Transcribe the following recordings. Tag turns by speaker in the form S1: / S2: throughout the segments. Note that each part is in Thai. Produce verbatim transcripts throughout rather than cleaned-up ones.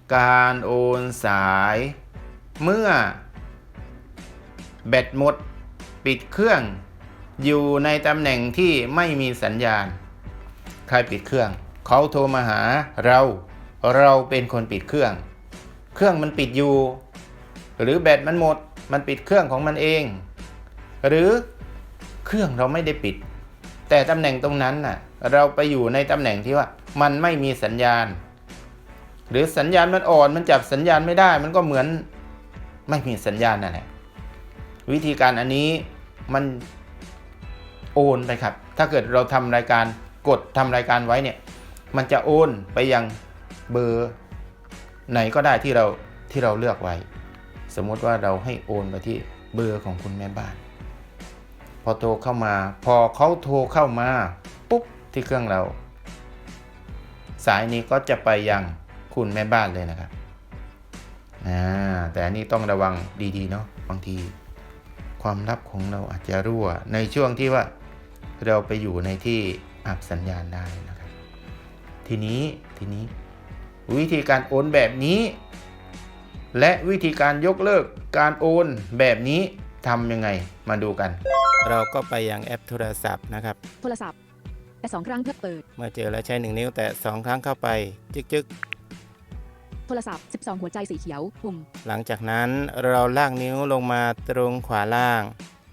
S1: การโอนสายเมื่อแบตหมดปิดเครื่องอยู่ในตำแหน่งที่ไม่มีสัญญาณใครปิดเครื่องเขาโทรมาหาเราเราเป็นคนปิดเครื่องเครื่องมันปิดอยู่หรือแบตมันหมดมันปิดเครื่องของมันเองหรือเครื่องเราไม่ได้ปิดแต่ตำแหน่งตรงนั้นน่ะเราไปอยู่ในตำแหน่งที่ว่ามันไม่มีสัญญาณหรือสัญญาณมันอ่อนมันจับสัญญาณไม่ได้มันก็เหมือนไม่มีสัญญาณนั่นแหละวิธีการอันนี้มันโอนไปครับถ้าเกิดเราทำรายการกดทำรายการไว้เนี่ยมันจะโอนไปยังเบอร์ไหนก็ได้ที่เราที่เราเลือกไว้สมมติว่าเราให้โอนไปที่เบอร์ของคุณแม่บ้านพอโทรเข้ามาพอเขาโทรเข้ามาปุ๊บที่เครื่องเราสายนี้ก็จะไปยังคุณแม่บ้านเลยนะครับอ่าแต่อันนี้ต้องระวังดีๆเนาะบางทีความลับของเราอาจจะรั่วในช่วงที่ว่าเราไปอยู่ในที่อับสัญญาณได้นะครับทีนี้ทีนี้วิธีการโอนแบบนี้และวิธีการยกเลิกการโอนแบบนี้ทำยังไงมาดูกันเราก็ไปยังแอปโทรศัพท์นะครับ
S2: โทรศัพท์แต่สองครั้งเพื่อเปิด
S1: เมื่อเจอแล้วใช้หนึ่งนิ้วแต่สองครั้งเข้าไปจึ๊กจึ๊ก
S2: โทรศัพท์สิบสองหัวใจสีเขียวปุ่ม
S1: หลังจากนั้นเราลากนิ้วลงมาตรงขวาล่าง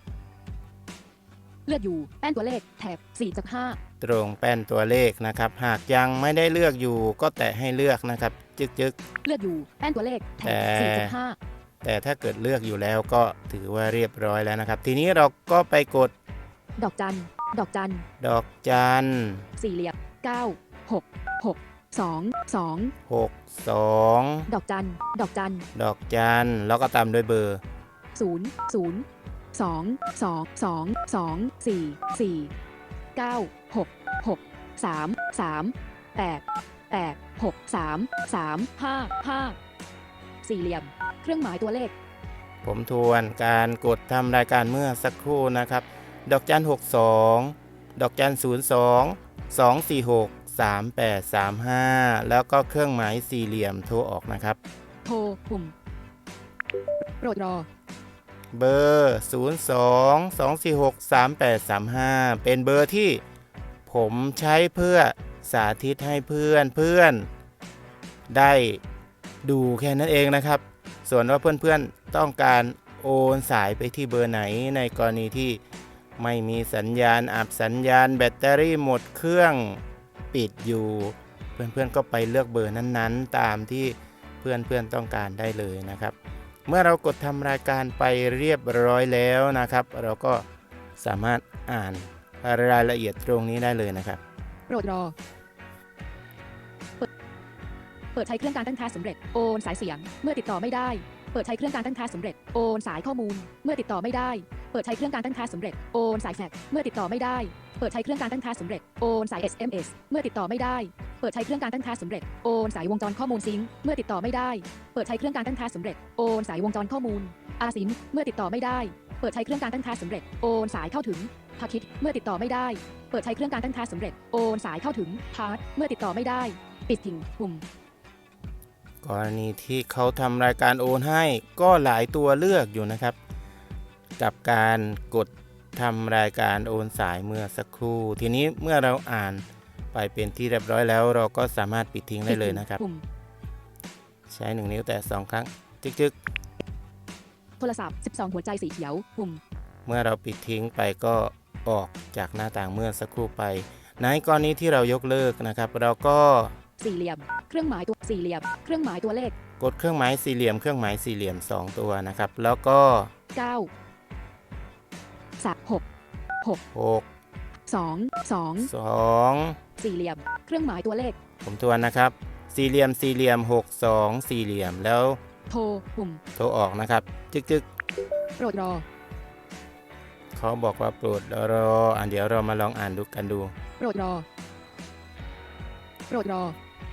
S2: เลือกอยู่แป้นตัวเลขแถบสี่จากห้า
S1: ตรงแป้นตัวเลขนะครับหากยังไม่ได้เลือกอยู่ก็แตะให้เลือกนะครับจึ๊กจึ๊ก
S2: เลือกอยู่แป้นตัวเลขแถบสี่จากห้า
S1: แต่ถ้าเกิดเลือกอยู่แล้วก็ถือว่าเรียบร้อยแล้วนะครับทีนี้เราก็ไปกด
S2: ดอกจันดอกจัน
S1: ดอกจัน
S2: สี่เหลี่ยมเก้าหกหกสองสอง
S1: หกสอง
S2: ดอกจันดอกจัน
S1: ดอกจันแล้วก็ตามด้วยเบอร์
S2: ศูนย์ศูนย์สองสองสองสองสี่สี่เก้าหกหกสามสามแปดแปดหกสามสามห้าห้าสี่เหลี่ยมเครื่องหมายตัวเลข
S1: ผมทวนการกดทำรายการเมื่อสักครู่นะครับดอกจันหกสองดอกจันศูนย์สองสองสี่หกสามแปดสามห้าแล้วก็เครื่องหมายสี่เหลี่ยมโทรออกนะครับ
S2: โทรปุ่มโปรดรอ
S1: เบอร์ศูนย์ สอง สอง สี่ หก สาม แปด สาม ห้าเป็นเบอร์ที่ผมใช้เพื่อสาธิตให้เพื่อนเพื่อนได้ดูแค่นั้นเองนะครับส่วนว่าเพื่อนๆต้องการโอนสายไปที่เบอร์ไหนในกรณีที่ไม่มีสัญญาณอับสัญญาณแบตเตอรี่หมดเครื่องปิดอยู่เพื่อนๆก็ไปเลือกเบอร์นั้นๆตามที่เพื่อนๆต้องการได้เลยนะครับเมื่อเรากดทำรายการไปเรียบร้อยแล้วนะครับเราก็สามารถอ่านรายละเอียดตรงนี้ได้เลยนะครับ
S2: โปรดรอเปิดเปิดใช้เครื่องการตั้งค่าสำเร็จโอนสายเสียงเมื่อติดต่อไม่ได้เปิดใช้เครื่องการตั้งค่าสำเร็จโอนสายข้อมูลเมื่อติดต่อไม่ได้เปิดใช้เครื่องการตั้งค่าสำเร็จโอนสายแฟกซ์เมื่อติดต่อไม่ได้เปิดใช้เครื่องการตั้งค่าสำเร็จโอนสาย เอส เอ็ม เอส เมื่อติดต่อไม่ได้เปิดใช้เครื่องการตั้งค่าสำเร็จโอนสายวงจรข้อมูลซิงค์เมื่อติดต่อไม่ได้เปิดใช้เครื่องการตั้งค่าสำเร็จโอนสายวงจรข้อมูลอาซิมเมื่อติดต่อไม่ได้เปิดใช้เครื่องการตั้งค่าสำเร็จโอนสายเข้าถึงพาคิดเมื่อติดต่อไม่ได้เปิดใช้เครื่องการตั้งค่าสำเร็จโอนสายเข้าถึงพาร์ทเมื่อติดต่อไม่ได้ปิดทิ้งปุ่ม
S1: กรณีที่เขาทำรายการโอนให้ก็หลายตัวเลือกอยู่นะครับกับการกดทำรายการโอนสายเมื่อสักครู่ทีนี้เมื่อเราอ่านไปเป็นที่เรียบร้อยแล้วเราก็สามารถปิดทิ้งได้เลยนะครับใช้หนึ่งนิ้วแต่สองครั้งจึ๊ก
S2: ๆโทรศัพท์สิบสองหัวใจสีเขียวปุ่ม
S1: เมื่อเราปิดทิ้งไปก็ออกจากหน้าต่างเมื่อสักครู่ไปในกรณีที่เรายกเลิกนะครับเราก็
S2: สี่เหลี่ยมเครื่องหมายตัวสี่เหลี่ยมเครื่องหมายตัวเลข
S1: กดเครื่องหมายสี่เหลี่ยมเครื่องหมายสี่เหลี่ยมสองตัวนะครับแล้วก็
S2: เก้า สาม หก หก
S1: หก
S2: สอง สอง
S1: สอง
S2: สี่เหลี่ยมเครื่องหมายตัวเลข
S1: ผมทวนนะครับสี่เหลี่ยมสี่เหลี่ยมหก สอง สี่เหลี่ยมแล้ว
S2: โทรปุ่ม
S1: โทรออกนะครับจึ๊กจึ๊ก
S2: โปรดรอ
S1: เขาบอกว่าโปรดรออ่ะเดี๋ยวเรามาลองอ่านดูกันดู
S2: โปรดรอโปรดรอ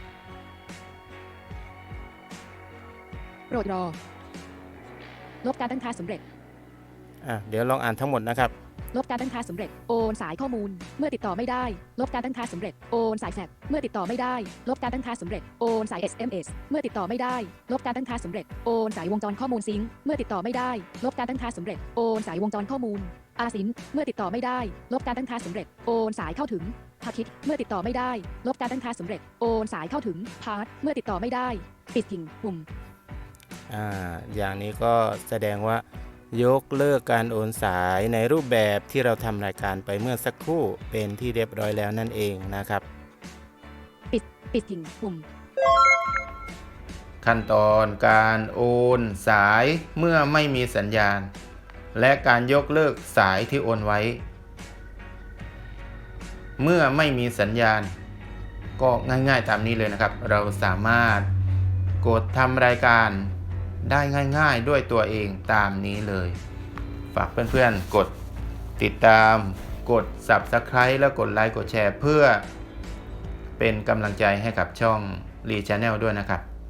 S2: โปรดรอลบการตั้งค่าสำเร็จ
S1: อ่ะเดี๋ยวลองอ่านทั้งหมดนะครับ
S2: ลบการตั้งค่าสำเร็จโอนสายข้อมูลเมื่อติดต่อไม่ได้ลบการตั้งค่าสำเร็จโอนสายแฟกซ์เมื่อติดต่อไม่ได้ลบการตั้งค่าสำเร็จโอนสาย เอส เอ็ม เอส เมื่อติดต่อไม่ได้ลบการตั้งค่าสำเร็จโอนสายวงจรข้อมูลซิงค์เมื่อติดต่อไม่ได้ลบการตั้งค่าสำเร็จโอนสายวงจรข้อมูลอาซินเมื่อติดต่อไม่ได้ลบการตั้งค่าสำเร็จโอนสายเข้าถึงพาคิดเมื่อติดต่อไม่ได้ลบการตั้งค่าสำเร็จโอนสายเข้าถึงพาร์ทเมื่อติดต่อไม่ได้ปิดทิ้งปุ่ม
S3: อ่าอย่างนี้ก็แสดงว่ายกเลิกการโอนสายในรูปแบบที่เราทำรายการไปเมื่อสักครู่เป็นที่เรียบร้อยแล้วนั่นเองนะครับ
S2: ปิดปิดทิ้งปุ่ม
S1: ขั้นตอนการโอนสายเมื่อไม่มีสัญญาณ และการยกเลิกสายที่โอนไว้ เมื่อไม่มีสัญญาณ ก็ง่ายๆตามนี้เลยนะครับ เราสามารถกดทำรายการได้ง่ายๆด้วยตัวเองตามนี้เลย ฝากเพื่อนๆกดติดตามกด ซับสไครบ์ แล้วกดไลค์กดแชร์เพื่อเป็นกำลังใจให้กับช่อง Lee Channel ด้วยนะครับ